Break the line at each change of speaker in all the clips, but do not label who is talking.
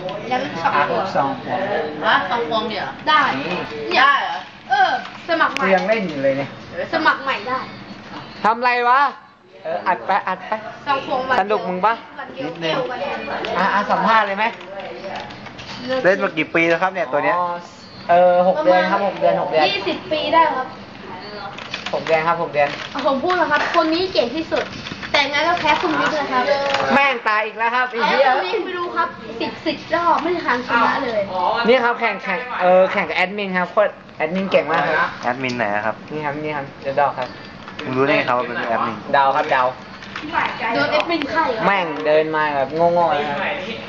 แล้วสองตัว
สองพวง
ฮะ2 พวงเนี่ย
ได้
ได้เหรอ
สมัครให
กู
ม่
ยังเล่นอยู่เลยเนี่ย
สมัครใหม่ได้
ทำไรวะ อัดไปอัดไป
2 พวงวัน
สนุกมึงปะ
วันเดียวเกี่ยวกันเลย
สัมภาษณ์เลยไหม
เล่นมากี่ปีแล้วครับเนี่ยตัวเนี้ย
6 เดือนครับ6 เดือน6 เดือน
20 ปีได้ครับ
6 เดือนครับ6 เดือน
ผมพูดนะครับ คนนี้เก่งที่สุด แต่งั้นก็แพ้คุณวิทย์เลยครับ
แม่งตายอีกแล้วครับไอ้
ไอ้
เหี้ย
คุณวิทย์ไม่รู้ครับ10 รอบไม่ทันชนะเลย
นี่ครับแข่งกับแอดมินครับโคตรแอดมินเก่งมากครับ
แอดมินไหนอะครับ
นี่ครับเดี๋ยวดอกครับ
มึงรู้ได้ไงครับว่าเป็นแอดมิน
เดาครับเดา
โดนเอฟเป็นไข่เหรอ
แม่งเดินมาแบบโง่ๆเลยครับ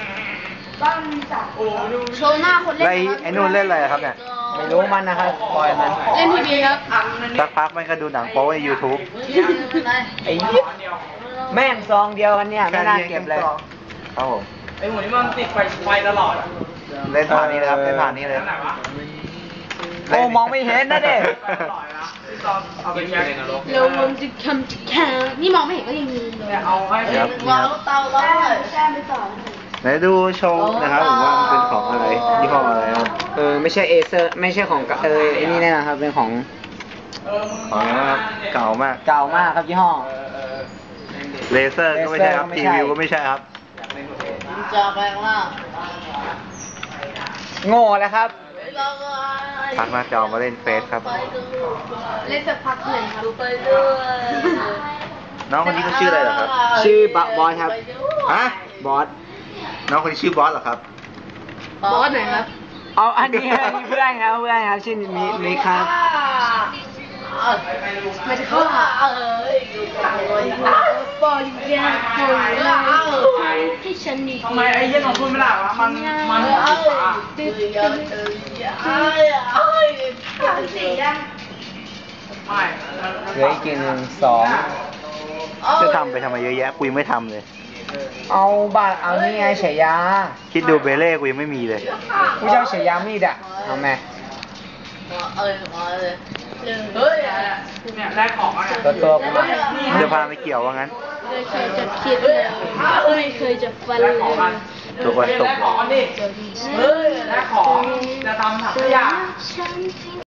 โชว์หน้าคนเล่น
แล้ว
นะครับ
ไอ้นู่นเล่นอะไรครับเนี่ย
ไม่รู้มันนะครับปล่อยมัน
เล่นทีวีครับ
สักพักมันก็ดูหนังโป๊ใน YouTube
ไอ้เหี้ยแม่งซองเดียวกันเนี่ยไม่น่าเก็บเลย
ครับผม
ไอ้หมูนี่มันติดไฟตลอดอะ
เล่นผ่านนี้นะครับเล่นผ่านนี้เลย
ไหนวะ
โอ้มองไม่เห็นนะเด็ก
ที่ตอนเอาไปแช่ในนรก
เรามันจะคำจะแข่งนี่มองไม่เห็นก็ยังมีเลย
แต่เอาให้
ครับ
วางเตาแล้วเลย
แช่ไม่ต่อ
ไหนดูโชว์นะครับผมว่ามันเป็นของอะไรยี่ห้ออะไรครับ
ไม่ใช่เอเซอร์ไม่ใช่ของไอ้นี่แน่นะครับเป็นของ
ของอะไรนะครับเก่ามาก
เก่ามากครับยี่ห้อ
เลเซอร์ก็ไม่ใช่ครับ
เล
ที
เซอร์ก็ไม่ใช่
วิวก็ไม่ใช่ครับ
จะแปลงร่าง
โง่แล้วครับ
พักหน้าจอมาเล่นเฟซครับ
เล่นสักพักหนึ่งครับ
ไปด้วย
น้องคนนี้เขาชื่ออะไรเหรอครับ
ชื่อบอสครับ
ฮะ
บอส
น้องคนนี้ชื่อบอสเหรอครับ
บอสไหนครับ
เอาอันนี้เพื่อนครับชื่อมีครับ
มันจะเข้าหาปล่อยแย่ปล่อยให้ฉันดี
ทำไมไอ้เหี้ยของคุณไม่ได้วะมัน
ตึ๊ด
สียัง
ไม่
เหลืออีกกี่หนึ่งสอง
จะทำไปทำไมเยอะแยะกูยังไม่ทำเลย
เอาบัตรเอานี่ไงฉายา
คิดดูเบเล่กูยังไม่มีเลย
ผู้เจ้าฉายามีดอะเอาไหม
เลยเฮ้ย
เนี่ยได้ของอ่ะเนี่ย
ตัวกูมา
มันจะพาไปเกี่ยวว่างั้น
ไม่เคยจะคิดเลยไม่เคยจะฟันเลย
ตัววันตก
ได้ของดิเฮ้ยได้ของจะทำถังขยะ
ฉัน